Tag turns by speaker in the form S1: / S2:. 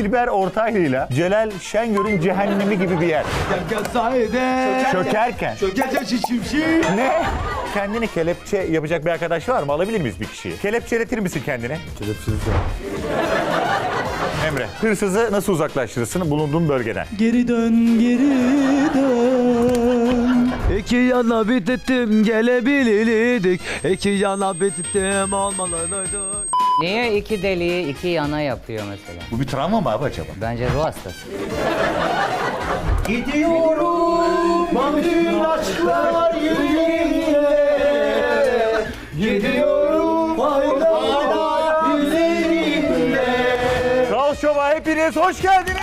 S1: Dilber Ortaylı'yla Celal Şengör'ün cehennemi gibi bir yer. Çökerken. Ne? Kendini kelepçe yapacak bir arkadaş var mı? Alabilir miyiz bir kişiyi? Kelepçeletir misin kendine?
S2: Kelepçeleyeceğim.
S1: Emre, hırsızı nasıl uzaklaştırırsın bulunduğun bölgeden?
S3: Geri dön, geri dön.
S2: İki yana bittim gelebilirdik. İki yana bittim olmalıydık.
S4: Niye iki deliği iki yana yapıyor mesela?
S1: Bu bir travma mı abi acaba?
S4: Bence ruh hastası.
S3: Gidiyorum, bütün aşklar yüreğimde. Gidiyorum, faydalar yüreğimde.
S1: Kral Şov'a hepiniz hoş geldiniz.